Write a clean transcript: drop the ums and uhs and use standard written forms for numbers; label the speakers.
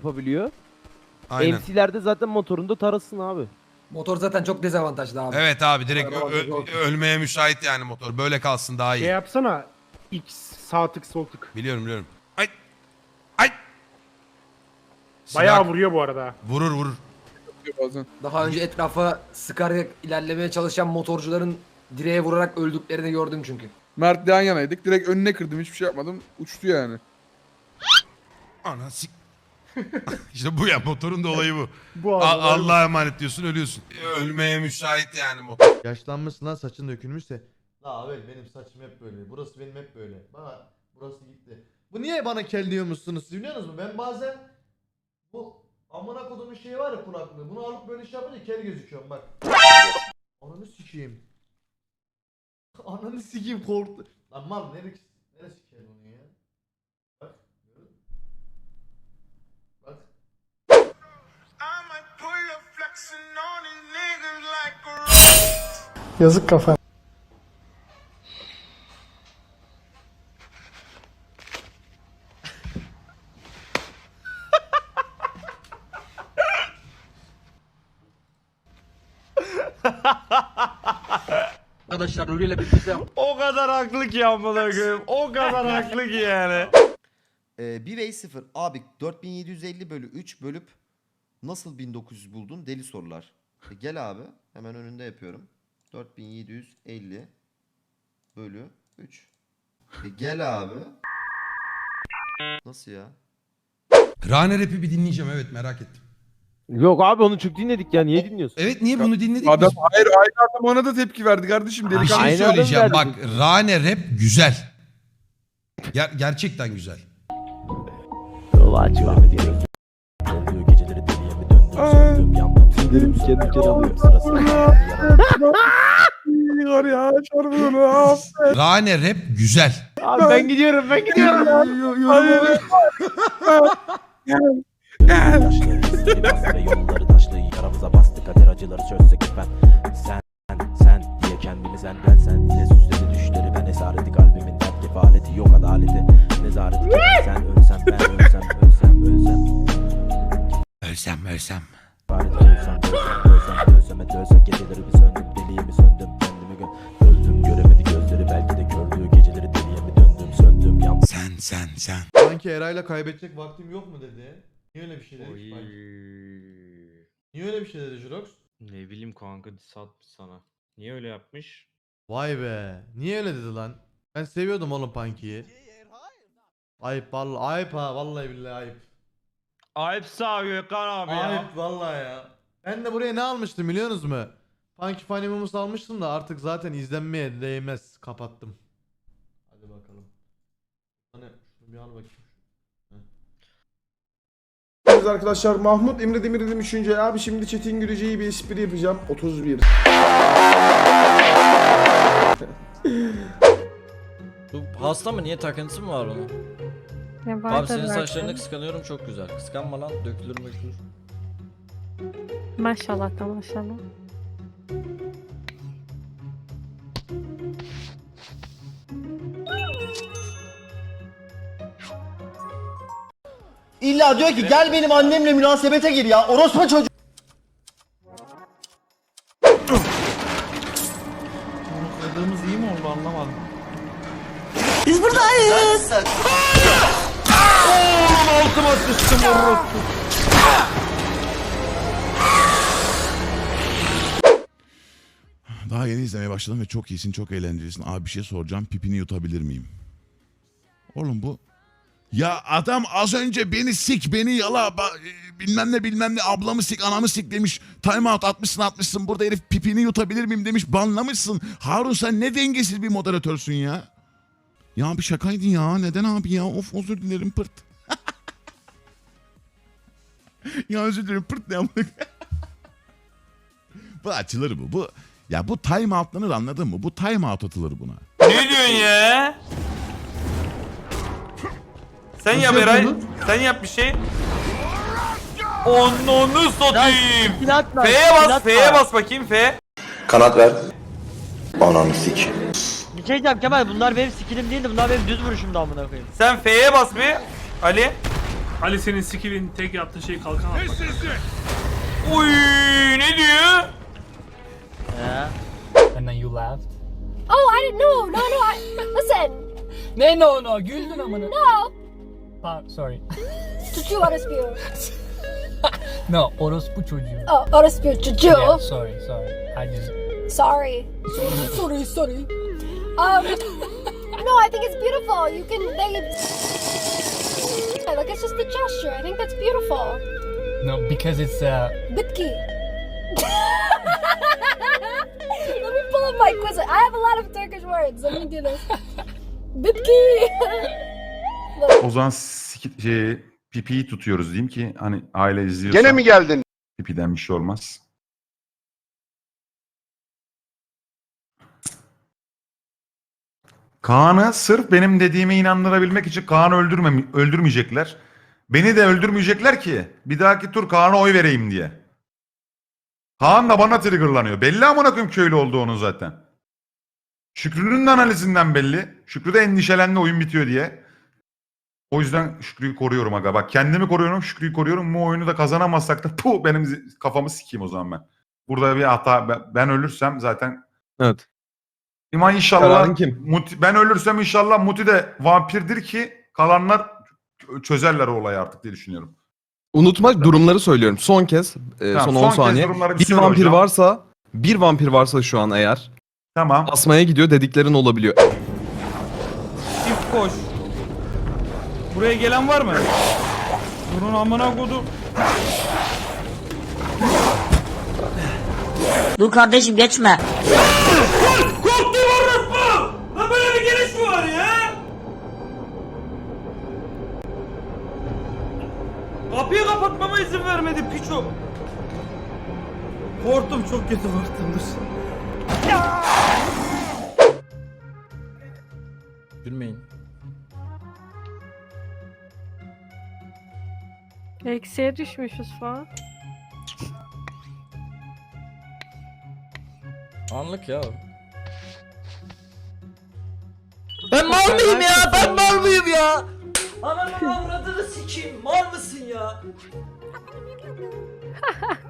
Speaker 1: yapabiliyor.
Speaker 2: Aynen.
Speaker 1: MC'lerde zaten motorunda tarasın abi.
Speaker 3: Motor zaten çok dezavantajlı abi.
Speaker 2: Evet abi direkt
Speaker 3: Araba
Speaker 2: ölmeye müsait yani motor. Böyle kalsın daha iyi.
Speaker 4: Şey yapsana. X sağ tık sol tık.
Speaker 2: Biliyorum. Ay. Ay.
Speaker 4: Bayağı
Speaker 2: Silah
Speaker 4: vuruyor bu arada.
Speaker 2: vurur.
Speaker 5: Bazen.
Speaker 3: Daha önce etrafa sıkarak ilerlemeye çalışan motorcuların direğe vurarak öldüklerini gördüm çünkü.
Speaker 5: Mert yan yanaydık. Direkt önüne kırdım. Hiçbir şey yapmadım. Uçtu yani.
Speaker 2: Ana sik. İşte bu ya motorun da olayı bu.
Speaker 4: Bu arada.
Speaker 2: Allah'a emanet diyorsun ölüyorsun. Ölmeye müsait yani motor.
Speaker 6: Yaşlanmışsın lan, saçın dökülmüşse. La abi benim saçım hep böyle. Burası benim hep böyle. Bana burası gitti. Bu niye bana kel diyormuşsunuz siz biliyor musunuz? Ben bazen bu amına kodumun şeyi var ya, kulaklığı. Bunu alıp böyle şey yapınca kel gözüküyorum bak. Ananı sikeyim. Ananı sikeyim, korktu. Lan mal neresi kel onun ya? Bak. Görün. Bak.
Speaker 7: Yazık kafa.
Speaker 3: Arkadaşlar Nuri'yle birlikte
Speaker 8: O kadar haklı ki amına koyayım. O kadar haklı ki yani.
Speaker 9: 1v0 abi 4750 bölü 3 bölüp nasıl 1900 buldun? Deli sorular. Gel abi hemen önünde yapıyorum. 4750 bölü 3. Gel abi. Nasıl ya?
Speaker 2: Rane rap'i bir dinleyeceğim evet merak ettim.
Speaker 1: Yok abi onu çok dinledik ya. Niye dinliyorsun?
Speaker 2: Evet niye bunu dinledik
Speaker 5: Adam
Speaker 2: biz?
Speaker 5: hayır aynı adam ona da tepki verdi kardeşim.
Speaker 2: Bir
Speaker 5: Delikanlı.
Speaker 2: şey
Speaker 1: Aynı
Speaker 2: söyleyeceğim
Speaker 1: adam
Speaker 2: bak
Speaker 1: verdi.
Speaker 2: Rane rap güzel. Gerçekten güzel.
Speaker 1: Sinirimi kendi alıyor.
Speaker 5: Var ya çarpıyor.
Speaker 2: Rane rap güzel.
Speaker 1: Abi ben gidiyorum.
Speaker 10: Yolları taşlı yaramıza bastı kader acıları çözsek ben sen diye kendimi sen diye süsledi düşleri ben esareti kalbimin dert kefaleti yok adaleti nezareti sen ölsem ben ölsem
Speaker 2: Ölsem.
Speaker 10: ölseme dölsek geceleri bir söndüm deliğimi söndüm kendimi öldüm göremedi gözleri belki de kördüğü geceleri deliye mi döndüm söndüm yandım.
Speaker 2: Sen.
Speaker 6: Sanki Eray'la kaybedecek vaktim yok mu dedi. Niye öyle bir şey dedi? Niye öyle bir şey dedi Jurox?
Speaker 8: Ne bileyim kanka satmış sana. Niye öyle yapmış?
Speaker 6: Vay be. Niye öyle dedi lan? Ben seviyordum oğlum Punky'yi. Ayıp vallahi, ayıp ha, vallahi billahi ayıp.
Speaker 8: Ayıp sağ Gökhan abi ya.
Speaker 6: Ayıp vallahi ya. Ben de buraya ne almıştım biliyor musunuz mu? Punky Funny Moments almıştım da artık zaten izlenmeye değmez. Kapattım. Hadi bakalım. Hani şunu bir al bakayım.
Speaker 7: Arkadaşlar Mahmut Emre Demir dedim 3. abi şimdi Çetin Gürece'yi bir espri yapacağım. 31.
Speaker 10: Hasta mı niye takıntısı mı var onun? Abi senin saçlarını kıskanıyorum çok güzel. Kıskanma lan dökülür.
Speaker 7: Maşallah da maşallah.
Speaker 9: İlla diyor ki gel benim annemle münasebete gir ya. Orospu çocuğu.
Speaker 8: Kırdığımız iyi mi oldu anlamadım.
Speaker 9: Biz buradayız.
Speaker 8: Altıma sıçtım orospu.
Speaker 11: Daha yeni izlemeye başladım ve çok iyisin, çok eğlencelisin. Abi bir şey soracağım, pipini yutabilir miyim? Oğlum bu... Ya adam az önce beni sik, beni yala, bilmem ne, ablamı sik, anamı sik demiş. Time out atmışsın, burada herif pipini yutabilir miyim demiş, banlamışsın. Harun sen ne dengesiz bir moderatörsün ya. Ya bir şakaydı ya, neden abi ya? Of özür dilerim pırt. Ya özür dilerim pırt ne yaptık? Bu açılır bu. Ya bu time outlanır anladın mı? Bu time out atılır buna.
Speaker 8: Ne diyorsun ya? Sen yap Eray. Sen yap bir şey. Onu satayım. F'ye bas bakayım F.
Speaker 10: Kanat ver. Ananı sik.
Speaker 9: Bir şey diyeceğim Kemal bunlar benim skillim değildi. Bunlar benim düz vuruşumdu amına koyayım.
Speaker 8: Sen F'ye bas bir Ali.
Speaker 4: Ali senin skill'in tek yaptığı şey kalkan atmak.
Speaker 8: Oy ne diyor?
Speaker 9: And then you laughed.
Speaker 12: Oh, I didn't know. No, listen.
Speaker 9: Ne no güldün amına.
Speaker 12: No.
Speaker 9: Sorry.
Speaker 12: Çocuğu orospu.
Speaker 9: No orospu çocuğu.
Speaker 12: Oh, orospu çocuğu.
Speaker 9: Yeah, sorry. I just
Speaker 12: Sorry. sorry. No, I think it's beautiful. Like, it's just a gesture. I think that's beautiful.
Speaker 9: no because it's
Speaker 12: Bitki. Let me pull up my quiz. I have a lot of Turkish words. Let me do this. Bitki.
Speaker 8: O zaman pipiyi tutuyoruz diyeyim ki hani aile izliyorsa.
Speaker 7: Gene mi geldin?
Speaker 8: Pipiden bir şey olmaz. Kaan'ı sırf benim dediğime inandırabilmek için Kaan'ı öldürmeyecekler. Beni de öldürmeyecekler ki bir dahaki tur Kaan'a oy vereyim diye. Kaan da bana triggerlanıyor. Belli amına koyayım köylü olduğu onun zaten. Şükrü'nün de analizinden belli. Şükrü de endişelendi oyun bitiyor diye. O yüzden Şükrü'yü koruyorum aga. Bak kendimi koruyorum, Şükrü'yü koruyorum. Bu oyunu da kazanamazsak da benim kafamı sikeyim o zaman ben. Burada bir hata. Ben ölürsem zaten...
Speaker 1: Evet.
Speaker 8: Ama inşallah ben ölürsem inşallah Muti de vampirdir ki kalanlar çözerler o olayı artık diye düşünüyorum.
Speaker 5: Unutma durumları söylüyorum. Son kez son 10 saniye. Bir vampir varsa şu an eğer
Speaker 8: Tamam.
Speaker 5: asmaya gidiyor dediklerin olabiliyor.
Speaker 8: Çift koş. Buraya gelen var mı? Durun amına kodum.
Speaker 12: Dur kardeşim geçme.
Speaker 8: Korktum orospu! Lan böyle bir geliş mi var ya? Kapıyı kapatmama izin vermedi piço. Korktum çok kötü korktum dur.
Speaker 9: gülmeyin.
Speaker 12: Eksiye düşmüşüz falan.
Speaker 9: Anlık ya. Ben mal mıyım ya? Ben mal mıyım ya? Ananı avradını sikeyim. Mal mısın ya?